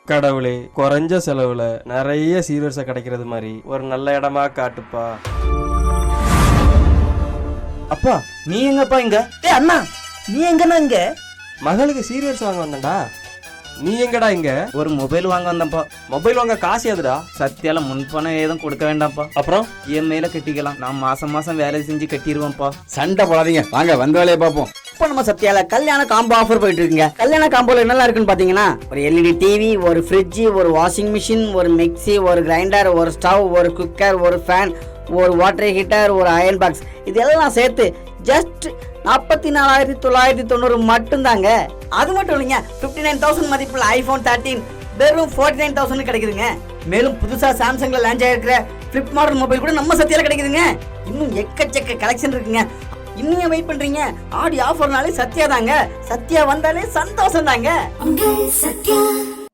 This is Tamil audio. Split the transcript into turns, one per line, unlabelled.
கடவுளே, குறைஞ்ச செலவுல நிறைய சீர்வரிசை கிடைக்கிறது மாதிரி ஒரு நல்ல இடமா காட்டுப்பா.
அப்பா நீ எங்கப்பா இங்க?
அண்ணா நீ எங்கண்ணா இங்க?
மகளுக்கு சீர்வரிசை வாங்க வந்தேன்டா. நீ எங்கடா இங்க?
ஒரு மொபைல் வாங்க வந்தப்பா.
மொபைல் வாங்க காசு எதுடா?
சத்தியால முன்பணம் ஏதும் கொடுக்க வேண்டாம்ப்பா.
அப்புறம்
இஎம்ஐல கட்டிக்கலாம். நான் மாசம் மாசம் வேலை செஞ்சு கட்டிடுவேன்ப்பா.
சண்டை போடாதீங்க, வாங்க வந்த வேலையை பார்ப்போம்.
இப்போ நம்ம சத்யால கல்யாண காம்போ ஆஃபர் போயிட்டு இருக்குங்க. கல்யாண காம்போல என்னெல்லாம் இருக்குன்னு பாத்தீங்கன்னா, ஒரு எல்இடி டிவி, ஒரு ஃப்ரிட்ஜ், ஒரு வாஷிங் மிஷின், ஒரு மிக்ஸி, ஒரு கிரைண்டர், ஒரு ஸ்டவ், ஒரு குக்கர், ஒரு ஃபேன், ஒரு வாட்டர் ஹீட்டர், ஒரு அயன் பாக்ஸ், இதெல்லாம் சேர்த்து ஜஸ்ட் 44,990 மட்டும்தாங்க. அது மட்டும் இல்லைங்க, 59,000 மதிப்புள்ள ஐபோன் 13 வெறும் 49,000 கிடைக்குதுங்க. மேலும் புதுசா சாம்சங்ல லான்ச் ஆயிருக்கிற ஃபிளிப் மாடல் மொபைல் கூட நம்ம சத்யால கிடைக்குதுங்க. இன்னும் எக்கச்சக்க கலெக்ஷன் இருக்குங்க. இன்னும் வெயிட் பண்றீங்க? ஆடி ஆஃபர்னாலே சத்யா தாங்க. சத்யா வந்தாலே சந்தோஷம் தாங்க.